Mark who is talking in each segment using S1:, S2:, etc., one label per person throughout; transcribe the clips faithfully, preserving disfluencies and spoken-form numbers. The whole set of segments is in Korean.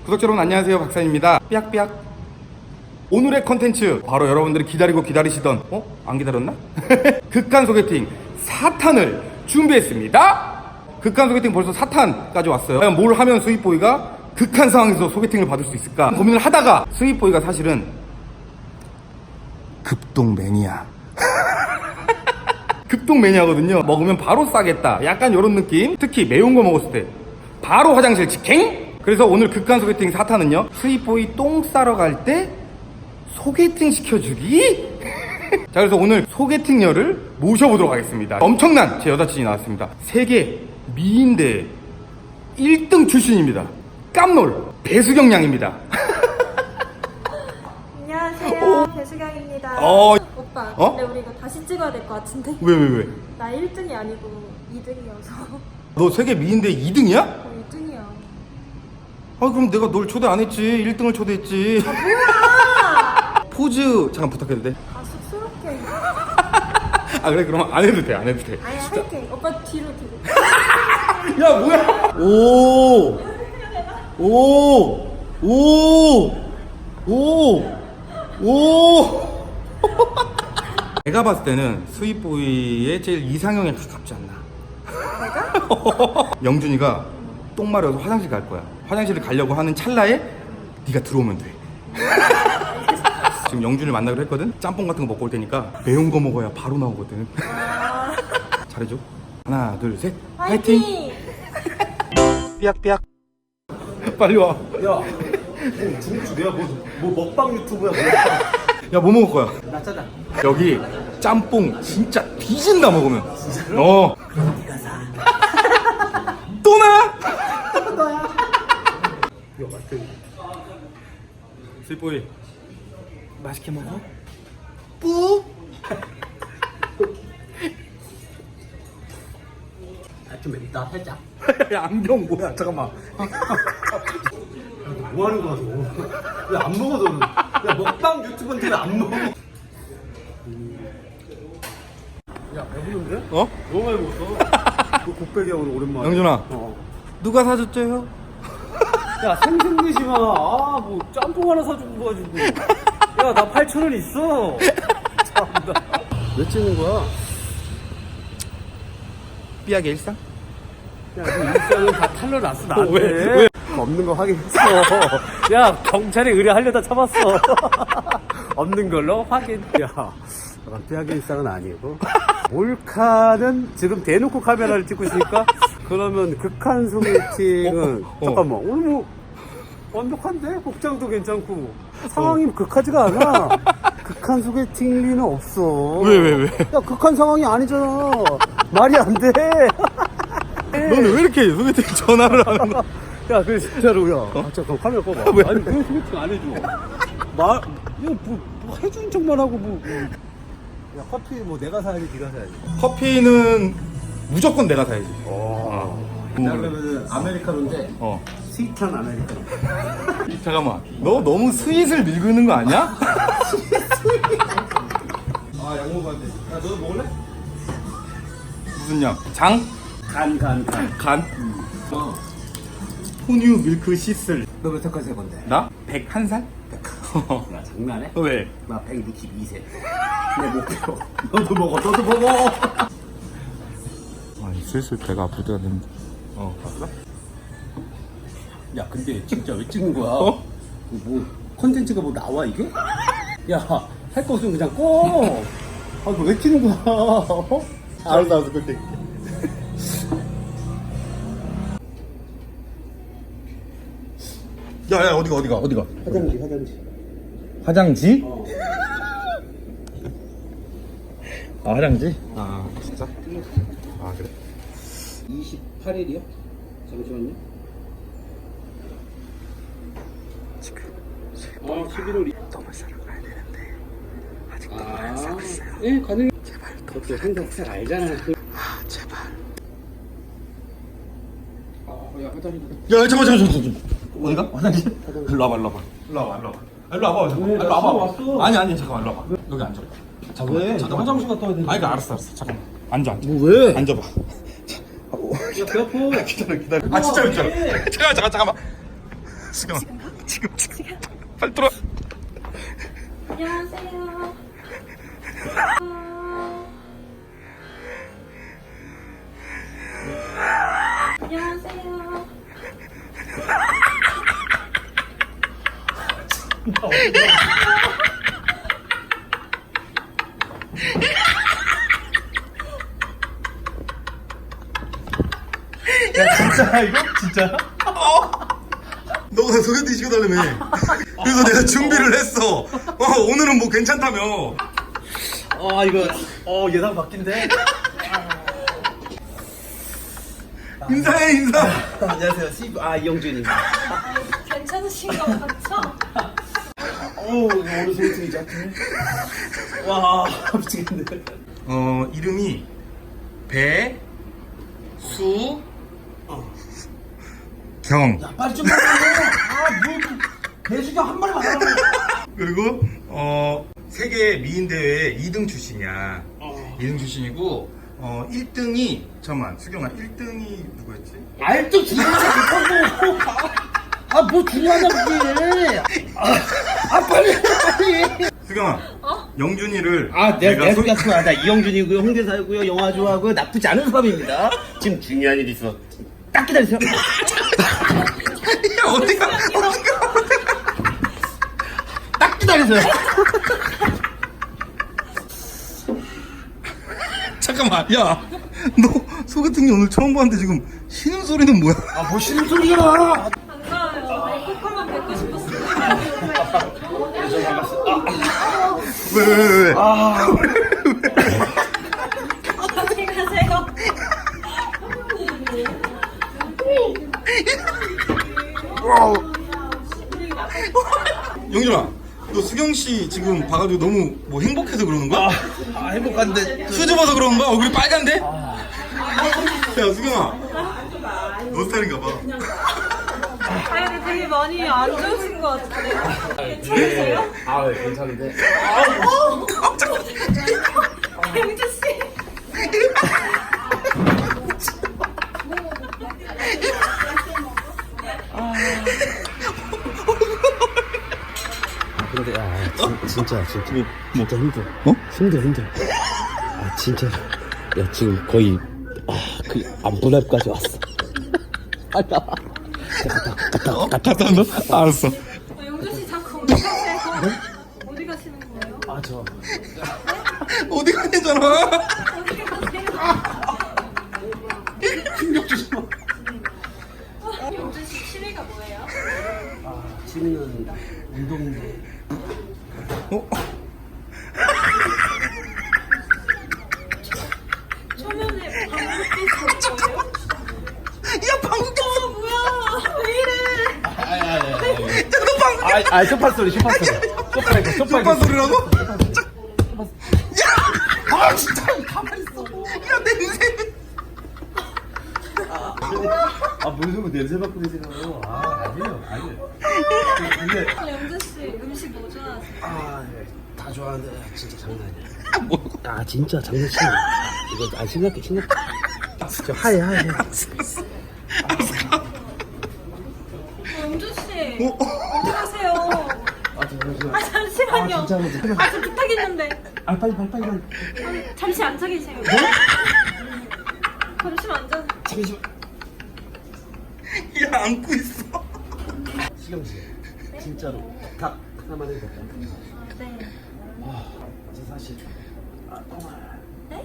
S1: 구독자 여러분 안녕하세요, 박사입니다. 삐약삐약. 오늘의 컨텐츠 바로 여러분들이 기다리고 기다리시던, 어? 안 기다렸나? 극한 소개팅 사 탄을 준비했습니다. 극한 소개팅 벌써 사 탄까지 왔어요. 과연 뭘 하면 스윗보이가 극한 상황에서 소개팅을 받을 수 있을까 고민을 하다가 스윗보이가 사실은 급동 매니아 급동 매니아거든요. 먹으면 바로 싸겠다, 약간 이런 느낌. 특히 매운 거 먹었을 때 바로 화장실 직행. 그래서 오늘 극한 소개팅 사 탄은요, 스윗보이 똥 싸러 갈 때 소개팅 시켜주기. 자, 그래서 오늘 소개팅녀를 모셔보도록 하겠습니다. 엄청난 제 여자친이 나왔습니다. 세계 미인대 일 등 출신입니다. 깜놀 배수경 양입니다.
S2: 안녕하세요, 배수경입니다.
S1: 어...
S2: 오빠,
S1: 어?
S2: 근데 우리 이거 다시 찍어야 될 것 같은데.
S1: 왜 왜 왜?
S2: 나 일 등이 아니고 이 등이어서.
S1: 너 세계 미인대 이 등이야?
S2: 어, 이 등이야.
S1: 아, 그럼 내가 널 초대 안 했지. 일 등을 초대했지.
S2: 뭐야!
S1: 포즈 잠깐 부탁해도 돼?
S2: 아, 쑥스럽게.
S1: 아, 그래? 그러면 안 해도 돼, 안 해도 돼.
S2: 아야, 할게. 오빠 뒤로, 뒤로.
S1: 야, 뭐야? 오! 오! 오! 오! 오! 내가 봤을 때는 스윗보이의 제일 이상형에 가깝지 않나? 내가? 영준이가 똥 마려서 화장실 갈 거야. 화장실을 가려고 하는 찰나에 네가 들어오면 돼. 지금 영준이를 만나기로 했거든? 짬뽕 같은 거 먹고 올 테니까 매운 거 먹어야 바로 나오거든.
S2: 아...
S1: 잘해줘. 하나, 둘, 셋.
S2: 화이팅!
S1: 화이팅! 삐약삐약. 빨리 와.
S3: 야, 뭐 중국집 내가 뭐, 뭐 먹방 유튜브야 뭐야?
S1: 야, 뭐 먹을 거야?
S3: 나 짜장.
S1: 여기 짬뽕 진짜 뒤진다 먹으면. 어.
S3: 네가 사.
S1: 또 나?
S3: 너야. 야, 맛있게.
S1: 스윗보이
S3: 맛있게 먹어?
S1: 뿌.
S3: 아, 좀 맵다 살짝.
S1: 야, 안경 뭐야? 잠깐만.
S3: 뭐 하는 거야 너? 왜 안 먹어 너는? 야, 먹방 유튜브인데 왜 안 먹어? 야, 배부른데?
S1: 어?
S3: 너무 많이 먹었어. 그 곱빼기야 오늘 오랜만에.
S1: 영준아,
S3: 어.
S1: 누가 사줬죠요?
S3: 야, 생생내지 마. 아, 뭐 짬뽕 하나 사주고 가지고. 야, 나 팔천 원 있어. 참나. 왜 찍는 거야?
S1: 삐약의 일상?
S3: 야, 그 일상은 다 탈러 났어, 나한테.
S1: 왜? 왜?
S3: 없는 거 확인했어. 야, 경찰에 의뢰하려다 참았어. 없는 걸로 확인. 야, 삐약의 일상은 아니고. 몰카는 지금 대놓고 카메라를 찍고 있으니까, 그러면 극한 소개팅은,
S1: 어, 어.
S3: 잠깐만, 오늘 뭐, 완벽한데? 복장도 괜찮고. 상황이 어. 극하지가 않아. 극한 소개팅 리는 없어.
S1: 왜, 왜, 왜?
S3: 야, 극한 상황이 아니잖아. 말이 안 돼.
S1: 너는 왜 이렇게 소개팅 전화를 하는 거야?
S3: 야, 그래, 진짜로, 야.
S1: 어?
S3: 아, 잠깐, 카메라 꺼봐.
S1: 왜?
S3: 아니, 왜 소개팅 안 해줘? 말, 야, 뭐, 뭐 해주는 척만 하고, 뭐, 뭐. 야, 커피 뭐 내가 사야지, 네가 사야지.
S1: 커피는 무조건 내가 사야지.
S3: 어.
S1: 음.
S3: 그러면은, 아메리카노인데,
S1: 어.
S3: 스윗한 아메리카노.
S1: 잠깐만, 너 너무 스윗을 밀고 있는 거 아니야?
S3: 아, 약 먹어야 돼. 야, 너도 먹을래?
S1: 무슨 양? 장?
S3: 간, 간, 간.
S1: 간?
S3: 음. 어.
S1: 포뉴 밀크 시슬.
S3: 너 몇 살까지 할 건데?
S1: 나? 백한 살?
S3: 나 장난해?
S1: 왜?
S3: 나 백육십이 세. 내 목표. 너도 먹어, 너도 먹어.
S1: 아니, 슬슬 배가 아프다 는데. 어, 봤어?
S3: 야, 근데 진짜 왜 찍는 거야?
S1: 어?
S3: 뭐 컨텐츠가 뭐 나와 이게? 야, 할 거 없으면 그냥 꺼. 아, 너 왜 찍는 거야? 어?
S1: 알았어, 알았어, 그때. 야, 야, 어디가, 어디가, 어디가?
S3: 화장지, 화장지.
S1: 화장지?
S3: 어.
S1: 아, 화장지? 아, 진짜? 아, 그래.
S3: 이십팔 일이요? 잠시만요.
S1: 지금
S3: 아, 십일월 이...
S1: 똥을 싸러 가야 되는데 아직도
S3: 아,
S1: 안 싸고 있어요.
S3: 예, 가능.
S1: 제발
S3: 그것도 생각살 알잖아. 그...
S1: 아, 제발.
S3: 아, 야, 화장지.
S1: 야, 잠깐, 잠깐, 잠깐. 어디가? 화장실? 일로 와봐, 일로 와봐. 일로 와봐, 일로 와봐. 일로 와봐, 잠깐.
S3: 왜?
S1: 일로
S3: 나
S1: 와봐.
S3: 왔어.
S1: 아니, 아니, 잠깐만, 일로 와봐. 여기 앉아. 잠깐만.
S3: 왜?
S1: 잠깐만.
S3: 화장실 갔다 와야 돼.
S1: 아니, 알았어, 알았어. 잠깐만. 앉아, 앉아.
S3: 뭐 왜?
S1: 앉아봐.
S3: 야, 배 아파.
S1: 기다려, 기다려. 아, 진짜, 진짜. 잠깐만, 잠깐, 잠깐만. 수경아 지금 지금 빨리 들어.
S2: 안녕하세요. 안녕하세요.
S3: 야 진짜 이거 진짜?
S1: 너가 소개팅 시켜달라며. 그래서 내가 준비를 했어. 어, 오늘은 뭐 괜찮다며.
S3: 아 이거 어 예상 바뀐데?
S1: 인사해 인사.
S3: 안녕하세요 씨. 아 이영준입니다.
S2: 괜찮으신 것 같죠?
S3: 어우 오늘 소개팅이죠. 와 미치겠네.
S1: 어 이름이 배 수 경.
S3: 야 빨리 좀 말해. 아뭐 배수경 한 마리만 하라고.
S1: 그리고 어 세계 미인 대회 이 등 출신이야.
S3: 어.
S1: 이 등 출신이고 어 일 등이 잠깐만 수경아 일 등이 누구였지?
S3: 알도 중요하다고. 아뭐 중요하다고 그게. 아, 아 빨리 빨리.
S1: 수경아
S2: 어?
S1: 영준이를
S3: 아, 내가 내가
S1: 소-
S3: 소개했구나. 나 이영준이고요, 홍대 살고요, 영화 좋아하고 나쁘지 않은 사람입니다. 지금 중요한 일이 있어. 딱 기다리세요.
S1: 야 어디가 어디가
S3: 딱 기다리세요.
S1: 잠깐만 야 너 소개팅이 오늘 처음 봤는데 지금 쉬는 소리는 뭐야?
S3: 아, 뭐 쉬는 소리야.
S2: 반가워요. 코코만 뵙고 싶었어요.
S1: 왜 왜 왜 왜?
S3: 아,
S2: 어디 가세요?
S1: 영준아 너 수경 씨 지금 봐가지고 너무 뭐 행복해서 그러는 거야?
S3: 아 행복한데.
S1: 수줍어서 그런 거야? 얼굴이 빨간데? 야 수경아 너 스타일인가 봐.
S2: 아, 근데 되게 많이 안 좋으신 것 같은데. 괜찮으세요?
S3: 아, 괜찮은데.
S2: 영주 씨.
S3: 근데 야, 진, 진짜 진짜
S1: 뭐, 뭐.
S3: 진짜 힘들어.
S1: 어?
S3: 힘들어 힘들어. 아 진짜. 야 지금 거의 아그 안부랩까지 왔어. 빨리 나와. 갔다 갔다
S1: 어?
S3: 갔다.
S1: 갔다 온다? 알았어.
S2: 어, 영주 씨 자꾸 어디 가세요? 어디 가시는 거예요?
S3: 아 저.
S1: 어디 가냐잖아.
S2: 어디 가세요?
S3: 충격 주지 마.
S2: 영주 씨 취미가 뭐예요?
S3: 아 취미는 운동인데.
S1: 어?
S2: 초면에 방귀 뀌는 거예요?
S1: 야 방금
S2: 어, 뭐야? 왜 이래?
S1: 너 방금
S3: 아, 아 소파 소리 소파 소리. 소파 이거 소파
S1: 오빠
S3: 이거.
S1: 소리라고? 야! 아 진짜 가만히 있어. 야 냄새.
S3: 아뭔 소리 냄새 맡고 계세요. 아 아니에요 아니에요. 근데
S2: 영주 씨 음식 뭐 좋아하세요?
S3: 아, 네. 다 좋아하는데 진짜 장난 아니야.
S1: 뭐?
S3: 아, 진짜 장난치네. 이거 아 심각해 심각해. 진짜 하얘 하얘.
S2: 어, 영주 씨
S1: 어?
S2: 어디 가세요?
S3: 아, 잠시만.
S2: 아 잠시만요.
S3: 아, 진짜, 진짜.
S2: 아, 저 부탁 있는데.
S3: 아, 빨리 빨리 빨리. 빨리.
S2: 아니, 잠시 앉아 계세요. 잠시만 앉아.
S3: 잠시만.
S1: 야 안고 있어.
S3: 시경 씨, 진짜로 다 하나만 해도 될까요?
S2: 네.
S3: 아, 저 사실 아 똥을.
S2: 네?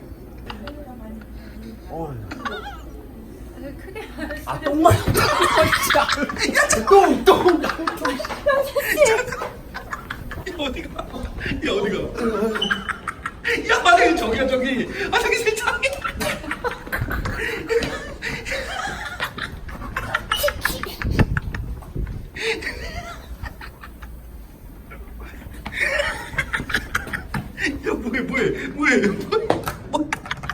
S3: 어.
S2: 왜 크게 말했어요?
S3: 아 똥만. 야, 똥 똥.
S1: 어디가? 야 어디가? 야 화장실 저기야 저기. 화장실 저기. 야 뭐해 뭐해 뭐해 뭐해. 뭐.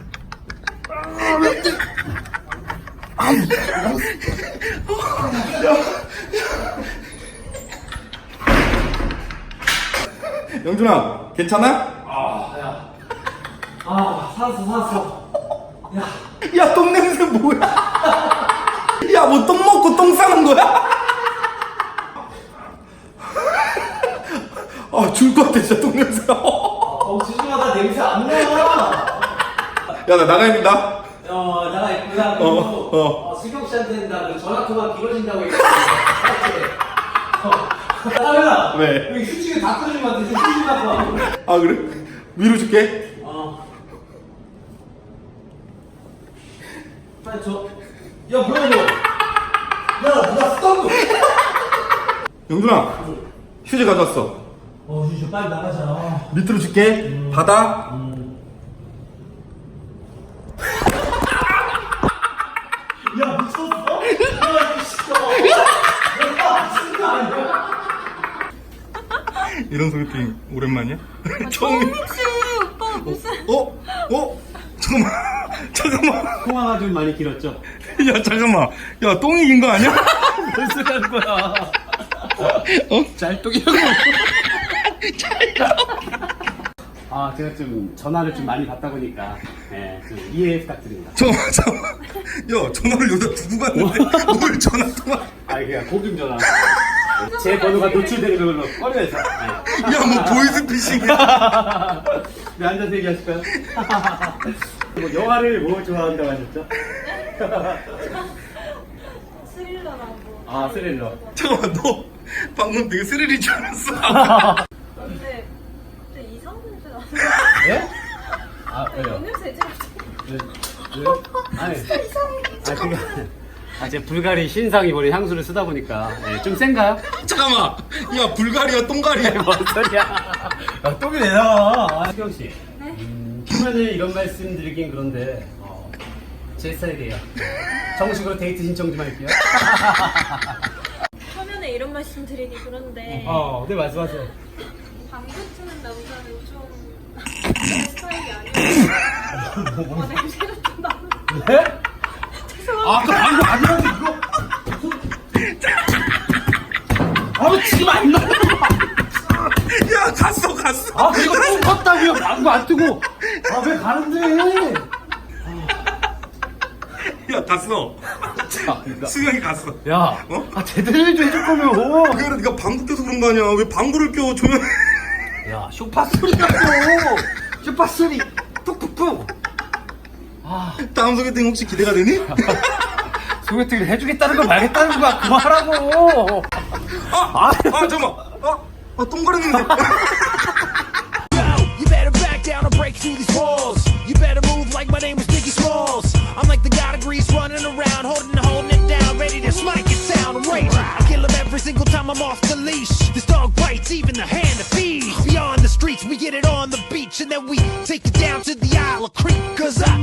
S1: 영준아 괜찮아?
S3: 아, 살았어 살았어.
S1: 야 똥 냄새 뭐야? 야 뭐 똥 먹고 똥 싸는 거야? 같아 진짜 똥 냄새가.
S3: 어, 지중하다 냄새 안 나.
S1: 야 나 나가야 된다.
S3: 어, 나가 있구나.
S1: 어, 어.
S3: 어, 수경 씨한테는 나 전화 통화 길어진다고 했거든. 아,
S1: 왜?
S3: 여기 휴지가 다 떨어진 것 같아. 휴지 갖고 와.
S1: 아 그래? 위로 줄게.
S3: 어. 빨리 줘. 야, 뭐야, 너? 야, 누가 스톱!
S1: 영준아 휴지 가져왔어.
S3: 어, 휴지 빨리 나가자.
S1: 밑으로 줄게.
S3: 음.
S1: 받아.
S3: 음. 야, 미쳤어? 야, 미쳤어. 야, 미친 거 아니야?
S1: 이런 소개팅 오랜만이야?
S2: 정욱 씨 오빠 무슨
S1: 어? 어? 잠깐만 잠깐만
S3: 통화가 좀 많이 길었죠?
S1: 야 잠깐만 야 똥이 긴 거 아니야?
S3: 무슨 소리 하는 거야?
S1: 어?
S3: 짤똥이라고. 아, 제가 좀 전화를 좀 많이 받다 보니까, 예, 좀 이해 부탁드립니다.
S1: 잠깐만 잠깐만 야 전화를 여기다 두고 갔는데 뭘 전화 통화
S3: 아, 그냥 공중 전화. 제 번호가 노출되는 걸로 꺼내서.
S1: 야뭐 보이스피싱이야.
S3: 네, 앉아서 얘기하실까요? 뭐 영화를 뭐 좋아한다고 하셨죠?
S2: 스릴러라고.
S3: 아, 스릴러.
S1: 잠깐만 너 방금 되게 스릴인 줄 알았어.
S2: 근데 근데 이상한 냄새 나는.
S3: 예? 아, 왜요?
S2: 냄새 이제
S3: 왜? 왜요? 아니, 아, 그게 아, 제 불가리 신상이 버린 향수를 쓰다 보니까 예, 좀 센가요?
S1: 잠깐만 야 불가리야 똥가리야.
S3: 뭔 소리야? 야, 똥이 왜 나와? 수경 씨.
S2: 네?
S3: 음, 초면에 이런 말씀 드리긴 그런데 어, 제 스타일이에요. 정식으로 데이트 신청 좀 할게요.
S2: 화면에 이런 말씀 드리기 그런데
S3: 어, 네, 말씀하세요.
S2: 방구 트는 남자는 좀 내 스타일이 아니에요. 어, 냄새가 좀 나는.
S3: 네?
S2: 죄송합니다.
S3: 아, 그 방금 아니라고 이거. 아, 지금 안 나와.
S1: 야 갔어 갔어.
S3: 아, 그리고 똥 컸다고요. 방구 안 뜨고. 아, 왜 가는데?
S1: 야 갔어. 수영이 갔어.
S3: 야,
S1: 어?
S3: 아, 제대로 좀 해줄 거면.
S1: 그래 네가 방구 껴서 그런 거 아니야. 왜 방구를 껴 조용.
S3: 야, 쇼파 소리가 또. 쇼파 소리. 뚝뚝뚝. 아,
S1: 다음 소개팅 혹시 기대가 되니?
S3: 소개팅을 해주겠다는 거 말겠다는 거야. 그만하라고.
S1: 아! 아 잠깐만. 아! 아 똥가리는데.
S4: You better back down or break through these walls. You better move like my name was Biggie Smalls. I'm like the god of Grease running around, holding holding it down, ready to smite it sound raging. I kill him every single time I'm off the leash. This dog bites even the hand that feeds. Beyond the streets, we get it on the beach, and then we take it down to the Isle of Creek. Cause I